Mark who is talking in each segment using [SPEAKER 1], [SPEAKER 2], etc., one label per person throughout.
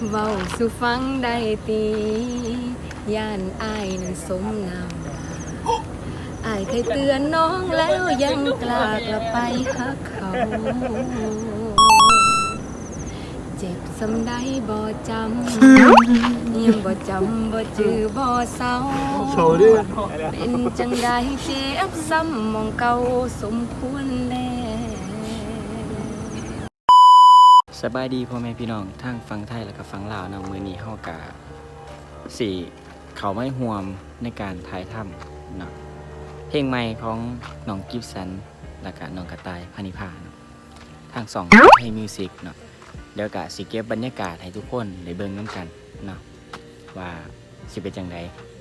[SPEAKER 1] เว้าสู่ฟังได้ตีย่านอายนั้นสมนำอายเคยเตือนน้องแล้วยังกล้ากลับไปหาเขาเจ็บสำได้บ่จำยังบ่จำบ่จือบ่เศร้าเป็นจังใดเจ็บซ้ำมองเก่าสมควรแล้ว
[SPEAKER 2] สบายดีพ่อแม่พี่น้องทั้งฟังไทยและก็ฟังลาวนะมื้อนี้เฮากะสิเข้ามาร่วมในการถ่ายทำเนาะเพลงใหม่ของน้องกิฟสันและก็น้องกระต่ายพานิพาเนาะทาง2ให้มิวสิกเนาะเดี๋ยวก็สิเก็บบรรยากาศให้ทุกคนได้เบิ่งนำกันเนาะว่าสิเป็นจังได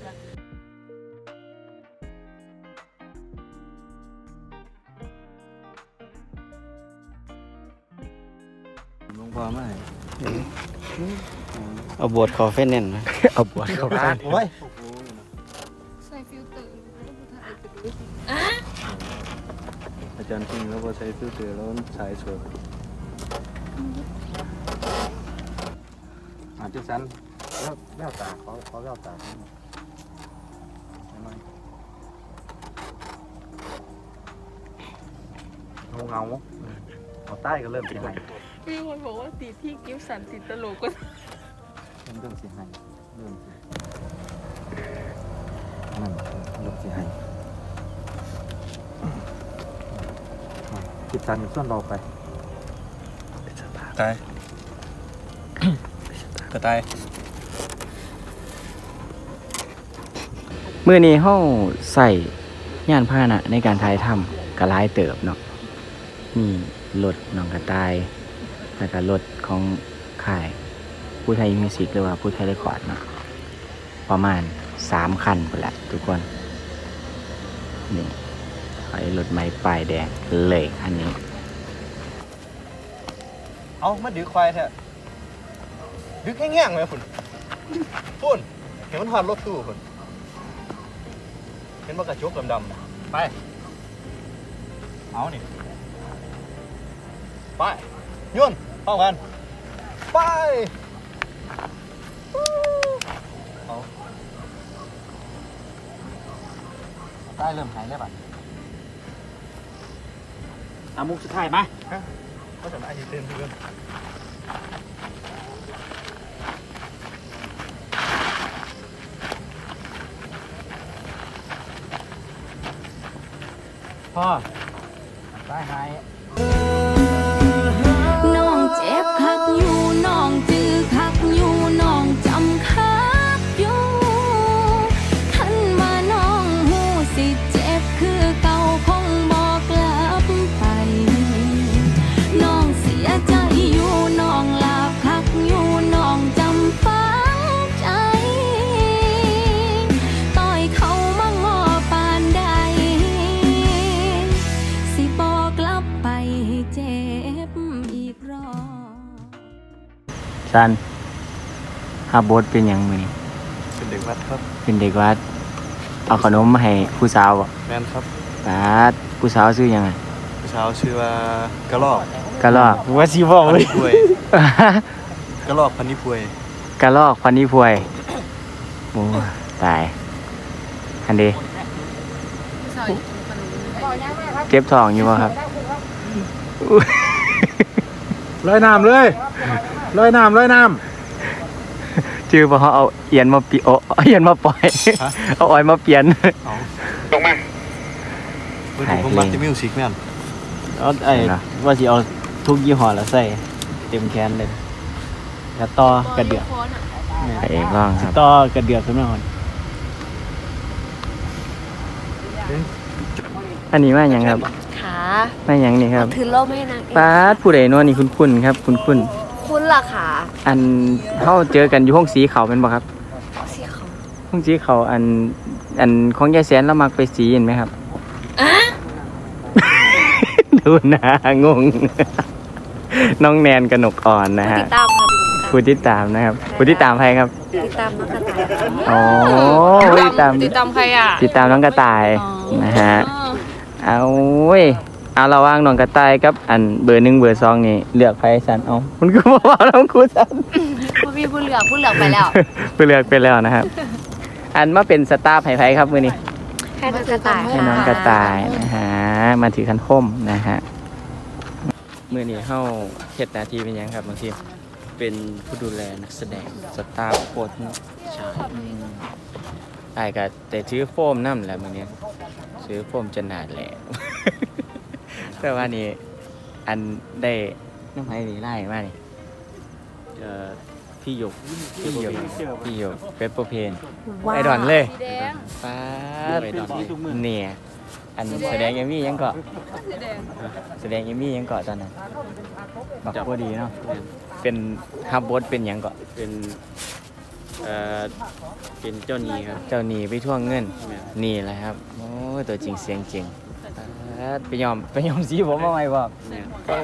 [SPEAKER 2] ลงพอมาเอาบวชคอเฟนเน่นนะเอาบวชคอเฟนโอ้ย
[SPEAKER 1] ใส่ฟิลเตอร์
[SPEAKER 3] อาจารย์พิงแล้วพอใช้ฟิลเตอร์แล้วใช้สวยจุดสั้นแล้วตาเขาแล้วตาเงาเอาใต้ก็เริ่มเป็นไง
[SPEAKER 1] มีคนบอกว่าติดที่กิฟสันติดตลกก็
[SPEAKER 3] เริ่มเสียหายเริ่มนั่นเริ่มเสียหายจิตสันส่วนเราไปตายกระต่าย
[SPEAKER 2] มื้อนี้เฮาใส่ยานพาหนะในการถ่ายทำก็หลายเติบเนาะมีรถน้องกระต่ายแล้วก็รถของค่ายผู้ไทยมิวสิกหรือว่าผู้ไทยเรคคอร์ดเนาะประมาณ3คันพุ่นแหละทุกคนนี่ไอ้รถไม้ป้ายแดงเลยคันนี้
[SPEAKER 3] เอามาดื้อควายแท้ดื้อแง่งเลยคุณเห็นมันหอดรถตู้คุณเห็นว่ากระจกดำๆไปเอานี่ไปยุ่นเข้ากันไปเอาใต้เริ่มหายแล้วป่ะ
[SPEAKER 2] มุกสุดท้ายมา
[SPEAKER 3] ก็จะมาอาทิตย์เต็มเพื่อนพ่อใต้หาย
[SPEAKER 1] น้องเจ็บคักอยู่น้องจื้อคักอยู่น้องจำคักอยู่ทันมาน้องหูสิเจ็บคือเก่าคงบอกกลับไปน้องเสียใจอยู่น้องลาบคักอยู่น้องจำฝังใจต่อยเขามางอปานใดสิบอกกลับไปให้เจ็บอีกรอบ
[SPEAKER 2] ซันฮาโบสเป็นอย่างมื้อนี้
[SPEAKER 3] เป็นเด็กวัดครับ
[SPEAKER 2] เป็นเด็กวัดเอาขนมมาให้ผู้สาวบ่
[SPEAKER 3] แม่นครับ
[SPEAKER 2] ผู้สาวชื่อหยังไง
[SPEAKER 3] ผู้สาวชื่อว่ากระรอก
[SPEAKER 2] ว่าสิบอกเลย
[SPEAKER 3] กระรอกพันนิพวย
[SPEAKER 2] กระรอกพันนิพวยโอ้ตายอันเดเก็บทองอยู่บ่ครับ
[SPEAKER 3] ลอยน้ำเลยลอยน้ำ
[SPEAKER 2] ชื่อบ่เขาเอาเอียนมาปีเอียนมาปล่อยเอาอ้อยมาเปลี่ยน
[SPEAKER 3] ลงมาผมมักจะมิวสิกแม่น
[SPEAKER 2] เอาว่าสิเอาทุกยี่ห้อแล้วใส่เต็มแขนเลยแล้วต่อกระเดือกเองร้องครับต่อกระเดือกขึ้นมาก่อนอันนี้มาอย่างครับ
[SPEAKER 1] ขา
[SPEAKER 2] มาอย่างนี้ครับ
[SPEAKER 1] ถือล่มให้นาง
[SPEAKER 2] ป้าผู้ใดเนาะนี่คุ้นๆครับคุ้น
[SPEAKER 1] ล่ะค่ะ
[SPEAKER 2] อันเฮาเจอกันอยู่ห้องสีเขาเป็นบ่ครับ
[SPEAKER 1] สีเขา
[SPEAKER 2] ห้องสีเขาอันของยายแสนเรามักไปสีเห็นไหมครับดูหน้างงน้องแนนกนกอ่อนนะฮะผู้ติดตามนะครับผู้ติดตามใครครับ
[SPEAKER 1] ติดตามน้องกระต่าย
[SPEAKER 2] อ๋อติดตาม
[SPEAKER 1] ใครอ่ะ
[SPEAKER 2] ติดตามน้องกระต่ายนะฮะเอาเว้ยเอาระว่างน้องกระต่ายกับอันเบอร์1เบอร์2นี่เลือกใครสันเอาคุณก็บอกว่าน้องครูสัน
[SPEAKER 1] บ่มีผู้เลือกไปแล้ว
[SPEAKER 2] ผู้เลือกไปแล้วนะครับ อันมาเป็นสตาฟไผ่ๆครับมื้อนี้
[SPEAKER 1] ให้น้องกระต่าย
[SPEAKER 2] ให้น้องกระต่ายนะฮะมาถือคันคมนะฮะมื้อนี้เฮาเฮ็ดหน้าที่เป็นหยังครับบางทีเป็นผู้ดูแลนักแสดงสตาฟโค้ชใช่อ้ายก็แต่ถือโฟมนำแหละมื้อนี้ซื้อโฟมจนหนาดแหละ แต่ว่านี่อันได้น้ำไผ่นี่ไล่มานี่
[SPEAKER 3] พี่หยก
[SPEAKER 2] พี่หยกเปปเปอร์เพน
[SPEAKER 1] ว้าว
[SPEAKER 2] ไอดอนเลย
[SPEAKER 1] สีแดง
[SPEAKER 2] ป้า
[SPEAKER 3] ไอดอนเลย
[SPEAKER 2] เนี่ยอันแสดงเอมี่ยังเกาะแสดงเอมี่ยังเกาะตอนนั้นบอกว่าดีเนาะเป็นฮับบดเป็นหยังเกาะ
[SPEAKER 3] เป็นเป็นเจ้าหนี้ครับ
[SPEAKER 2] เจ้าหนีไปท่วงเงิน
[SPEAKER 3] แม่น
[SPEAKER 2] นี่แหละครับโอ้ยตัวจริงเสียงจริงป๊าดไปยอมสีผมมาใหม่บอก
[SPEAKER 3] เนี่ย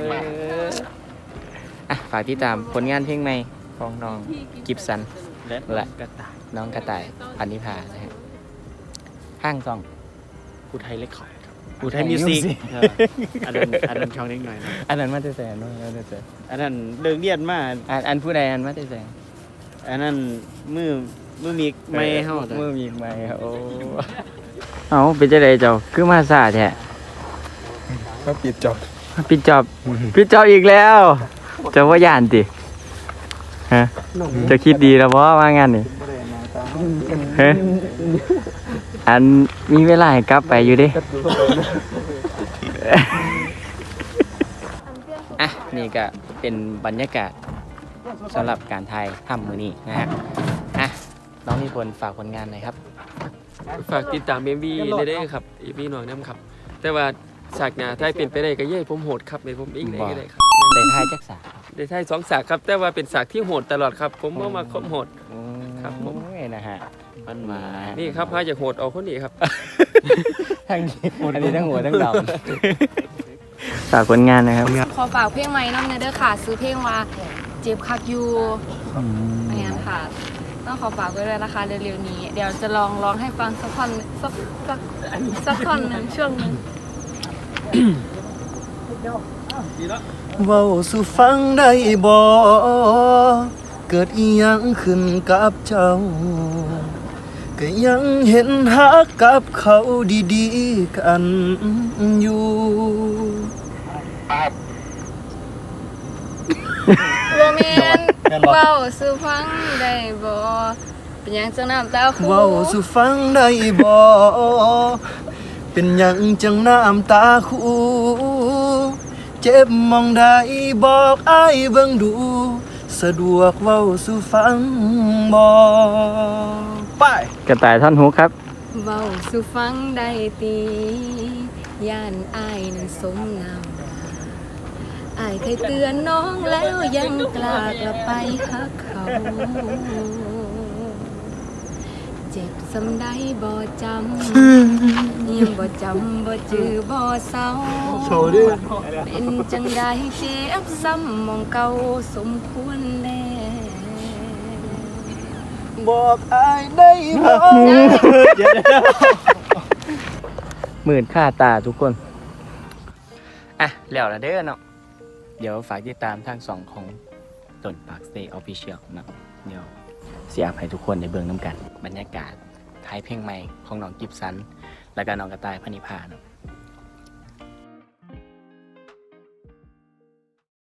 [SPEAKER 2] อ่ะฝากติดตามผลงานเพลงใหม่ของน้องกิฟสัน
[SPEAKER 3] และกระต่าย
[SPEAKER 2] น้องกระต่ายพันนิพานะฮะห้างซอง
[SPEAKER 3] อุทัยเล็กขอดครับอุทัยมิวสิกอันนั้นช่องเล็กหน่อยนะ
[SPEAKER 2] อันนั้นมาแต่แสนเนาะมาแต่แสน
[SPEAKER 3] อันนั้นเลิกเรียนมา
[SPEAKER 2] อันผู้ใดอันมาแต่แสน
[SPEAKER 3] อันนั้นมือมีไม่เฮาแต่
[SPEAKER 2] มือมีไม้ครับโอ้เอาเป็นจะไดเจ้าคือมาซาแท้
[SPEAKER 3] ก็ปิดจบ
[SPEAKER 2] ปิดจอบอีกแล้วเจะว่าย่านติฮะจะคิดดีแล้วเพราะว่างานนี่เฮ้ยอันมีเวลาให้กลับไปอยู่เดิอ่ะนี่ก็เป็นบรรยากาศสำหรับการถ่ายทำมือนี้นะฮะอ่ะน้องนิพนธ์ฝากผลงานหน่อยครับ
[SPEAKER 4] ฝากติดตาม MV ได้ครับ MV หน่อยน้ำครับ แต่ว่าฉากหน้าถ้าเป็นไปได้ก็เย่ผมโหดครับในผมเองได้ก็ได้ครับ
[SPEAKER 2] ได้ถ่ายจักษา
[SPEAKER 4] ได้ใช่2ฉากครับ แต่ว่าเป็นฉากที่โหดตลอดครับ ผมเอามาครบโหด ครับผม
[SPEAKER 2] โอ้ยนะฮะมันมา
[SPEAKER 4] นี่ครับพาจากโหดเอาคนนี้ครับ
[SPEAKER 2] ทั้งนี้อันนี้ทั้งหัวทั้งดำฝากผลงานนะครับ
[SPEAKER 1] ขอฝากเพลงใหม่น้ำเนเด้อค่ะ ซื้อเพลงว่าเจ็บคักอยู่อันนี้ค่ะ ต้องขอฝากไว้เลยนะคะเร็วๆนี้ เดี๋ยวจะลองร้องให้ฟังสักท่อนสักท่อนหนึ่งช่วงหนึ่ง
[SPEAKER 5] เว้าสู่ฟังได้บ่เกิดอีหยังขึ้นกับเจ้า ก็ยังเห็นหักกับเขาดีๆกันอยู่
[SPEAKER 1] โรแมนเว้าสู่ฟังได้บ่เป็นหยังจังน้ำตาคู
[SPEAKER 5] เว้าสู่ฟังได้บ่เป็นหยังจังน้ำตาคูเจ็บมองได้บอกอ้ายเบิ่งดู สะดวกเว้าสู่ฟังบ่ไป
[SPEAKER 2] กระต่ายท่อนฮุกครับ
[SPEAKER 1] เว้าสู่ฟังได้ตีย่านอายนั้นสมน้ำหน้าอายเคยเตือนน้องแล้วยังกล้ากลับไปหักเขา เจ็บสำได้บ่จำยังบ่จำบ่จือบ่เศร้า
[SPEAKER 5] โชว์ดิ
[SPEAKER 1] เป็นจังใดเจ็บซ้ำมองเก่าสมควรแน่
[SPEAKER 5] บอกอายได้บ่
[SPEAKER 2] หมื่นค่าตาทุกคน อ่ะ แล้วละเด้อเนาะ เดี๋ยวฝากติดตามทางสองของต้นปาก Stay Official เนาะเดี๋ยวเสียให้ทุกคนในเบื้องน้ำกัน บรรยากาศท้ายเพลงใหม่ของน้องกิฟสัน และก็น้องกระต่ายพนิพาเนาะ